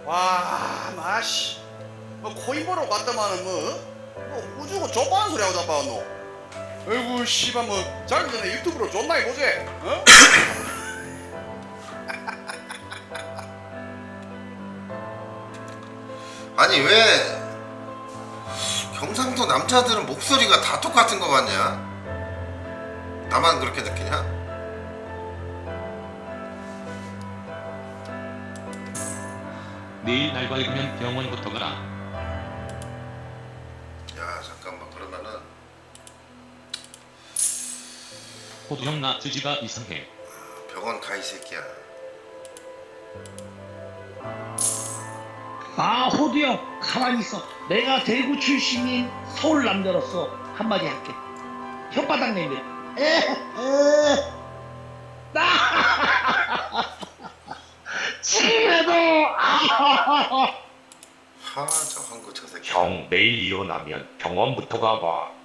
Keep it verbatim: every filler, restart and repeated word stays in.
와, 마씨. 뭐 코인 보러 갔다마는 뭐, 뭐 우주고 족바는 소리 하고 자빠졌노. 아이고 씨발 뭐 자기 전에 유튜브로 존나 해보지. 어? 아니 왜 경상도 남자들은 목소리가 다 똑같은 거 같냐? 나만 그렇게 느끼냐? 내일 날 밝으면 병원부터 가라. 야 잠깐만 그러면은 호두형 나 주지가 이상해. 병원 가 이 새끼야. 아 호두 형 가만히 있어. 내가 대구 출신인 서울 남자로서 한마디 할게. 혓바닥 내밀어. 에에 나 지금도 하저 한국 저 새끼. 형 내일 일어나면 병원부터 가봐.